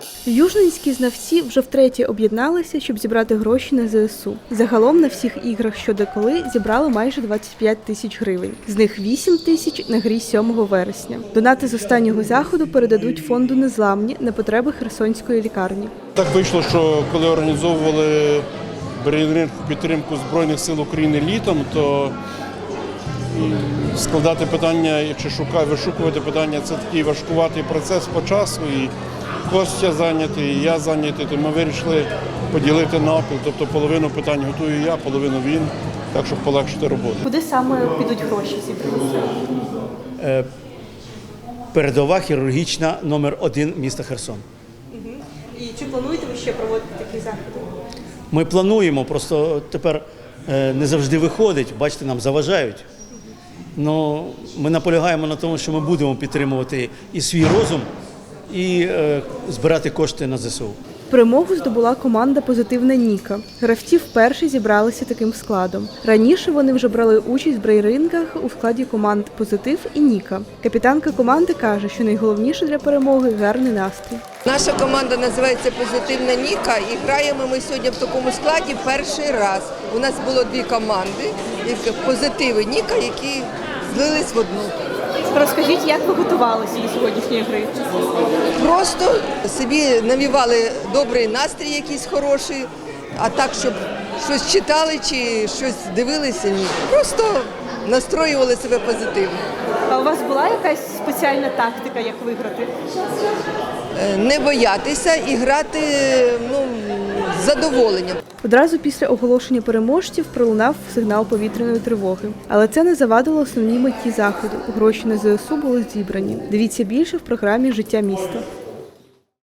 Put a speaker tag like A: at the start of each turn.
A: Южненські знавці вже втретє об'єдналися, щоб зібрати гроші на ЗСУ. Загалом на всіх іграх «Що де коли» зібрали майже 25 тисяч гривень. З них 8 тисяч на грі 7 вересня. Донати з останнього заходу передадуть фонду «Незламні» на потреби Херсонської лікарні.
B: Так вийшло, що коли організовували брейнринг у підтримку Збройних сил України літом, то складати питання чи вишукувати питання – це такий важкуватий процес по часу. І Костя зайнятий, і я зайнятий, то ми вирішили поділити напіл. Тобто половину питань готую я, половину він, так щоб полегшити роботу.
A: Куди саме підуть гроші зібрати?
C: Передова хірургічна номер 1 міста Херсон.
A: І чи плануєте ви ще проводити такі заходи?
C: Ми плануємо, просто тепер не завжди виходить, бачите, нам заважають. Но ми наполягаємо на тому, що ми будемо підтримувати і свій розум, і збирати кошти на ЗСУ.
A: Перемогу здобула команда «Позитивна Ніка». Гравці вперше зібралися таким складом. Раніше вони вже брали участь в брейрингах у складі команд «Позитив» і «Ніка». Капітанка команди каже, що найголовніше для перемоги – гарний настрій.
D: Наша команда називається «Позитивна Ніка» і граємо ми сьогодні в такому складі перший раз. У нас було 2 команди «Позитив» і «Ніка», які злились в одну.
A: Розкажіть, як ви готувалися до сьогоднішньої гри?
D: Просто собі навівали добрий настрій якийсь хороший, а так, щоб щось читали чи щось дивилися, ні. Просто настроювали себе позитивно.
A: А у вас була якась спеціальна тактика, як виграти?
D: Не боятися і грати з задоволенням.
A: Одразу після оголошення переможців пролунав сигнал повітряної тривоги. Але це не завадило основній меті заходу. Гроші на ЗСУ були зібрані. Дивіться більше в програмі «Життя міста».